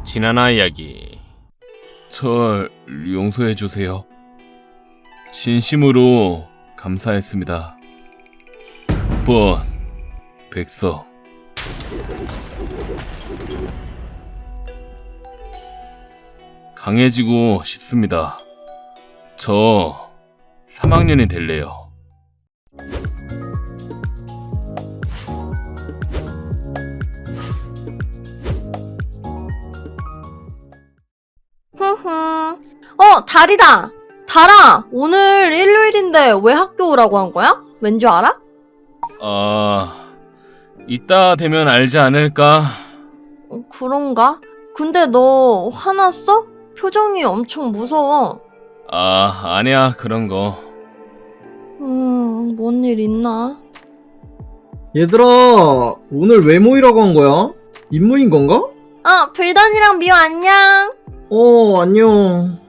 지나나 이야기. 절 용서해주세요. 진심으로 감사했습니다. 극본 백서. 강해지고 싶습니다. 저 3학년이 될래요. 달이다! 달아! 오늘 일요일인데 왜 학교 오라고 한 거야? 왠 줄 알아? 이따 되면 알지 않을까? 그런가? 근데 너 화났어? 표정이 엄청 무서워. 아니야, 그런 거. 뭔 일 있나? 얘들아, 오늘 왜 모이라고 한 거야? 임무인 건가? 불던이랑 미호 안녕! 안녕.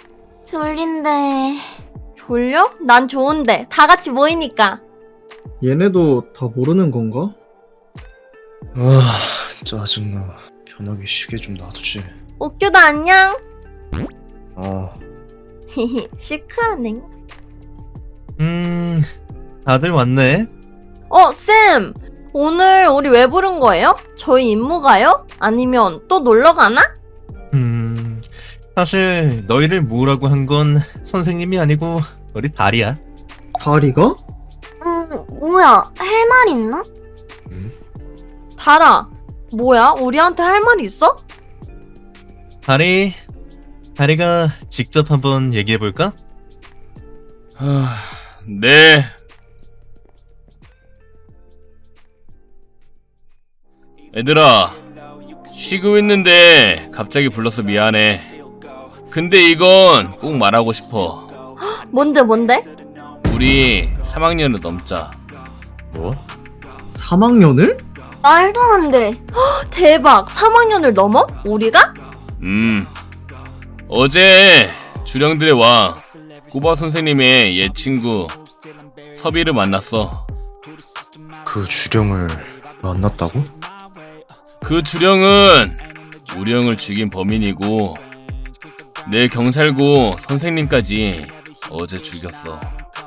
졸린데. 졸려? 난 좋은데. 다 같이 모이니까. 얘네도 다 모르는 건가? 짜증나. 편하게 쉬게 좀 놔두지. 옥규도 안녕! 아, 시크하네. 다들 왔네. 쌤! 오늘 우리 왜 부른 거예요? 저희 임무가요? 아니면 또 놀러 가나? 사실 너희를 모으라고 한 건 선생님이 아니고 우리 달이야. 다리가? 뭐야, 할 말 있나? 달아, 뭐야? 우리한테 할 말 있어? 다리가 직접 한번 얘기해볼까? 네. 얘들아, 쉬고 있는데 갑자기 불러서 미안해. 근데 이건 꼭 말하고 싶어. 뭔데? 우리 3학년을 넘자. 뭐? 3학년을? 말도 안 돼. 대박! 3학년을 넘어? 우리가? 어제 주령들의 왕 꾸바 선생님의 옛 친구 섭이를 만났어. 그 주령을 만났다고? 그 주령은 우리 형을 죽인 범인이고 내 경찰고 선생님까지 어제 죽였어.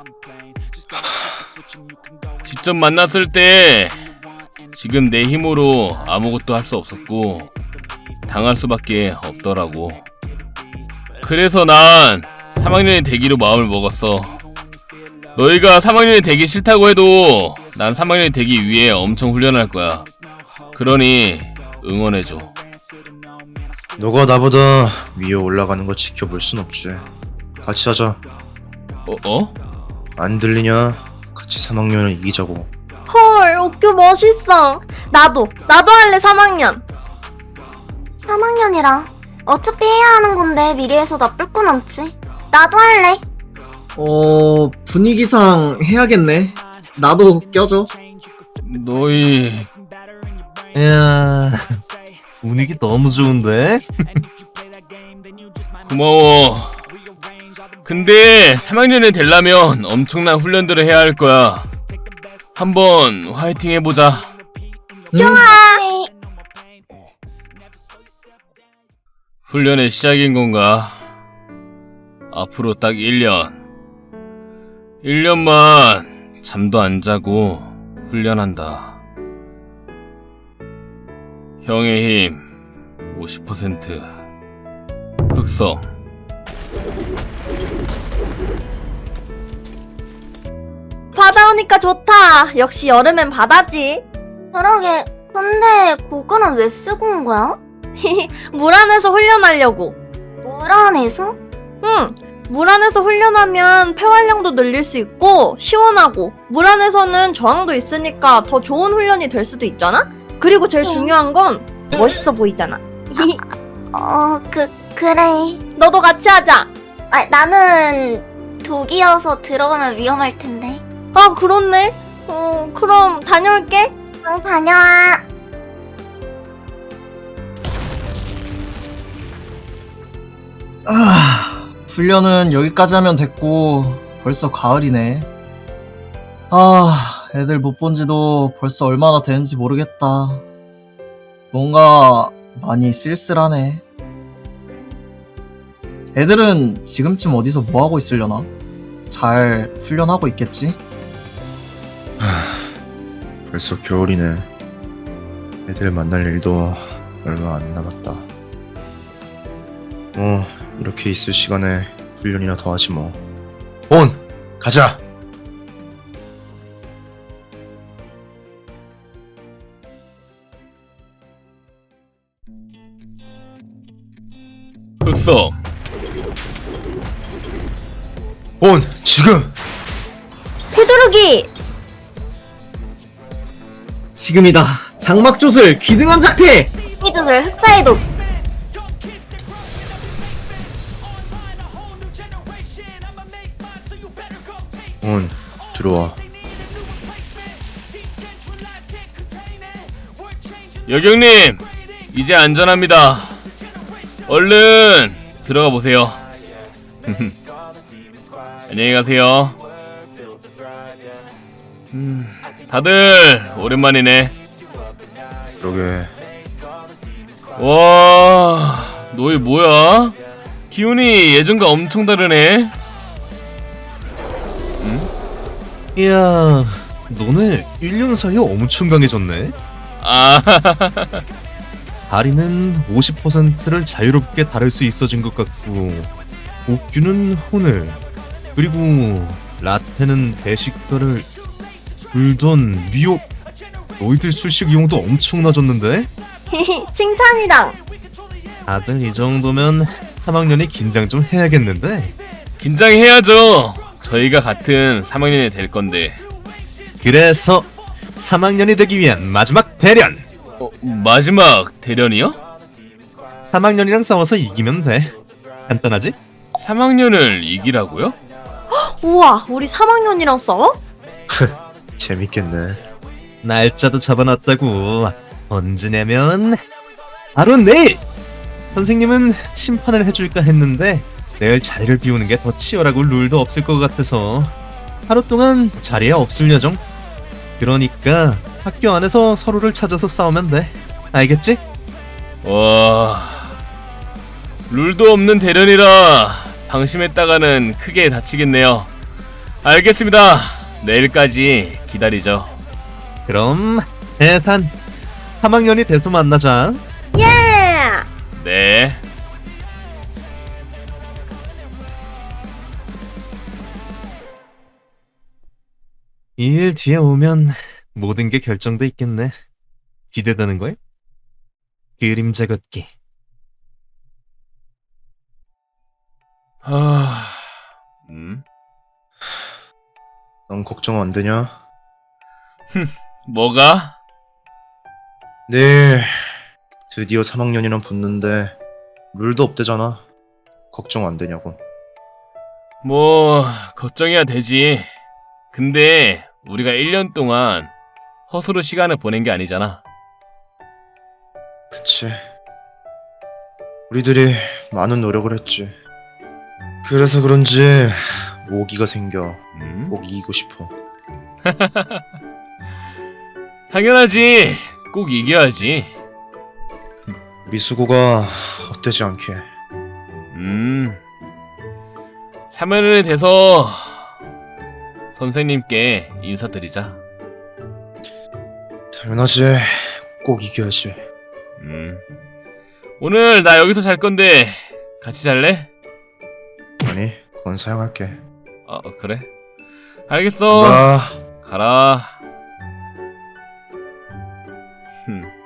직접 만났을 때 지금 내 힘으로 아무것도 할 수 없었고 당할 수밖에 없더라고. 그래서 난 3학년이 되기로 마음을 먹었어. 너희가 3학년이 되기 싫다고 해도 난 3학년이 되기 위해 엄청 훈련할 거야. 그러니 응원해줘. 너가 나보다 위에 올라가는 거 지켜볼 순 없지. 같이 하자. 안 들리냐? 같이 3학년을 이기자고. 헐, 옥규 멋있어. 나도 할래, 3학년. 3학년이라. 어차피 해야 하는 건데 미리해서 나쁠 건 없지. 나도 할래. 분위기상 해야겠네. 나도 껴줘. 너희 이야, 분위기 너무 좋은데? 고마워. 근데 3학년이 되려면 엄청난 훈련들을 해야 할 거야. 한번 화이팅 해보자. 좋아. 훈련의 시작인 건가? 앞으로 딱 1년. 1년만 잠도 안 자고 훈련한다. 형의 힘 50%. 흑성. 바다 오니까 좋다. 역시 여름엔 바다지. 그러게. 근데 고글은 왜 쓰고 온 거야? 물 안에서 훈련하려고. 물 안에서? 응. 물 안에서 훈련하면 폐활량도 늘릴 수 있고 시원하고 물 안에서는 저항도 있으니까 더 좋은 훈련이 될 수도 있잖아? 그리고 제일 중요한 건 멋있어 보이잖아. 그래. 너도 같이 하자. 나는 독이어서 들어가면 위험할 텐데. 그렇네. 그럼 다녀올게. 다녀와. 훈련은 여기까지 하면 됐고 벌써 가을이네. 애들 못 본 지도 벌써 얼마나 되는지 모르겠다. 뭔가 많이 쓸쓸하네. 애들은 지금쯤 어디서 뭐하고 있으려나? 잘 훈련하고 있겠지? 벌써 겨울이네. 애들 만날 일도 얼마 안 남았다. 이렇게 있을 시간에 훈련이나 더 하지 뭐. 온! 가자! 흑성, 온! 지금! 휘두르기! 지금이다. 장막조슬 귀등한 작태! 히두들 흑사이독. 온! 들어와. 여경님, 이제 안전합니다. 얼른 들어가 보세요. 안녕히 가세요. 다들 오랜만이네. 그러게. 와, 너희 뭐야? 기운이 예전과 엄청 다르네. 이야, 너네 1년 사이에 엄청 강해졌네. 아, 다리는 50%를 자유롭게 다룰 수 있어진 것 같고, 옥규는 혼을, 그리고 라테는 배식별을, 불던, 미호, 너희들 술식 이용도 엄청 낮았는데? 칭찬이당! 다들 이 정도면 3학년이 긴장 좀 해야겠는데? 긴장해야죠. 저희가 같은 3학년이 될 건데. 그래서 3학년이 되기 위한 마지막 대련! 마지막 대련이요? 3학년이랑 싸워서 이기면 돼. 간단하지? 3학년을 이기라고요? 우와, 우리 3학년이랑 싸워? 재밌겠네. 날짜도 잡아놨다고. 언제냐면 바로 내일! 선생님은 심판을 해줄까 했는데 내일 자리를 비우는 게 더 치열하고 룰도 없을 것 같아서 하루 동안 자리에 없을 예정. 그러니까 학교 안에서 서로를 찾아서 싸우면 돼. 알겠지? 와, 룰도 없는 대련이라 방심했다가는 크게 다치겠네요. 알겠습니다. 내일까지 기다리죠. 그럼 해산 3학년이 돼서 만나자. 예! 네. 이 일 뒤에 오면 모든 게 결정돼 있겠네. 기대되는 걸? 그림자 걷기. 하... 넌 걱정 안 되냐? 뭐가? 내일 드디어 3학년이랑 붙는데 룰도 없대잖아. 걱정 안 되냐고. 뭐 걱정해야 되지. 근데 우리가 1년 동안 허수로 시간을 보낸 게 아니잖아. 그치. 우리들이 많은 노력을 했지. 그래서 그런지 오기가 생겨. 꼭 이기고 싶어. 당연하지. 꼭 이겨야지. 우리 수고가 헛되지 않게. 3학년이 돼서 선생님께 인사드리자. 당연하지. 꼭 이겨야지. 오늘 나 여기서 잘 건데 같이 잘래? 아니, 그건 사양할게. 그래? 알겠어. 나 가라.